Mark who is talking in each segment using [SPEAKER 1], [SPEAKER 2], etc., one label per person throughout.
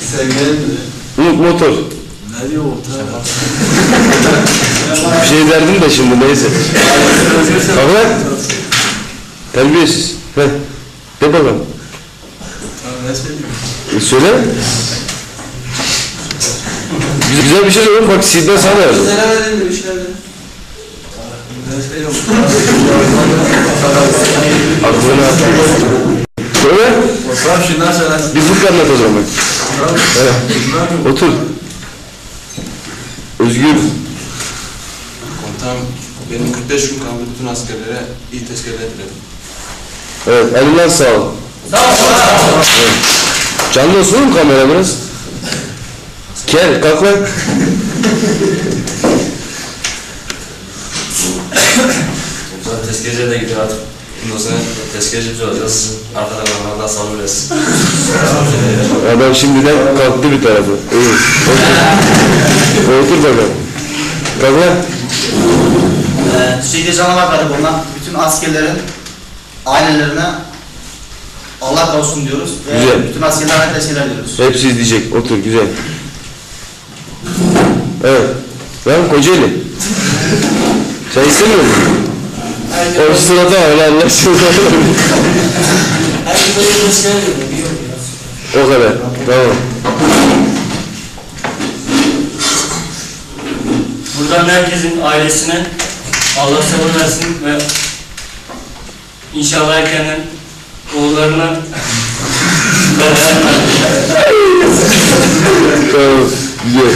[SPEAKER 1] Sevgilim
[SPEAKER 2] Motor.
[SPEAKER 1] ne diyor orta?
[SPEAKER 2] Bir şey derdim de şimdi neyse. Kalk. Terbiyesiz. Heh. De bakalım.
[SPEAKER 1] Ne söyleyeyim?
[SPEAKER 2] Söyle. Güzel bir şey söyle. Bak Sidney sana yazdı.
[SPEAKER 1] Söylemedin de bir şeyler dedim. Ne söyleyeyim?
[SPEAKER 2] Aklına atma. Söyle.
[SPEAKER 1] Tamam şundan söylersin.
[SPEAKER 2] Bir fıkra anlat o zaman. Evet. Otur. Özgür.
[SPEAKER 3] Komutanım, benim 45 gün kaldı, bütün askerlere iyi tezkereler dilerim.
[SPEAKER 2] Evet, elinden sağ ol.
[SPEAKER 1] Sağ ol.
[SPEAKER 2] Evet. Canlı olsun mu kamera biraz? Gel, kalk lan.
[SPEAKER 3] Komutanım, tezkereye de gidiyor artık. Bundan sonra tezkereci biz olacağız. Arkada kalanlardan sabredersin.
[SPEAKER 2] Adam şimdiden kalktı bir tarafı. İyi. Otur bakalım. Kalk lan.
[SPEAKER 4] Türkiye Canavar Karakoluna bütün askerlerin ailelerine Allah korusun diyoruz. Ve
[SPEAKER 2] Güzel.
[SPEAKER 4] bütün askerlerine teşekkür ediyoruz.
[SPEAKER 2] Hepsi izleyecek. Otur, güzel. Evet. Lan Kocaeli. Sen istemiyor musun? O sırada öyle anlaşıldı. O kadar. Tamam.
[SPEAKER 5] Buradan herkesin ailesine Allah sabır versin ve inşallah erkenden oğullarına
[SPEAKER 2] Tamam. Güzel.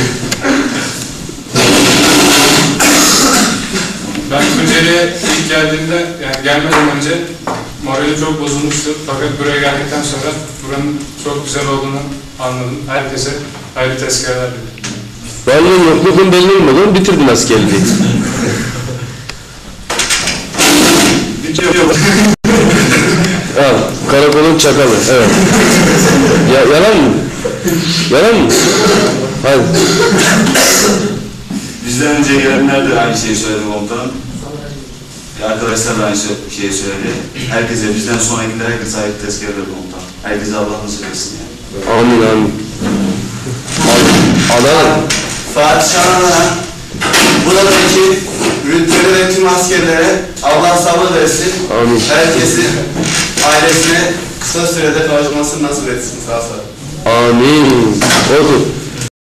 [SPEAKER 6] Ben Tunceli'ye ilk geldiğimde, yani gelmeden önce morali çok bozulmuştu. Fakat buraya geldikten sonra buranın çok güzel olduğunu anladım. Herkese hayırlı tezkereler dilerim.
[SPEAKER 2] Varlığın yokluğun belli olmadan bitirdin askerliği. Al, karakolun çakalı, evet. Yalan mı? Yalan mı? Hadi.
[SPEAKER 7] Bizden önce gelenler de aynı şeyi söyledi komutanım. Arkadaşlar da aynı şeyi söyledi. Herkese, bizden sonrakiler herkese ait tezkereler komutanım. Herkese Allah nasip etsin yani.
[SPEAKER 2] Amin, amin. Adana.
[SPEAKER 4] Fatih Şahan'a buradaki rütbeli ve tüm askerlere Allah sabır versin.
[SPEAKER 2] Amin.
[SPEAKER 4] Herkesin ailesine kısa sürede kavuşmasını nasip etsin. Sağ olun.
[SPEAKER 2] Amin. Otur.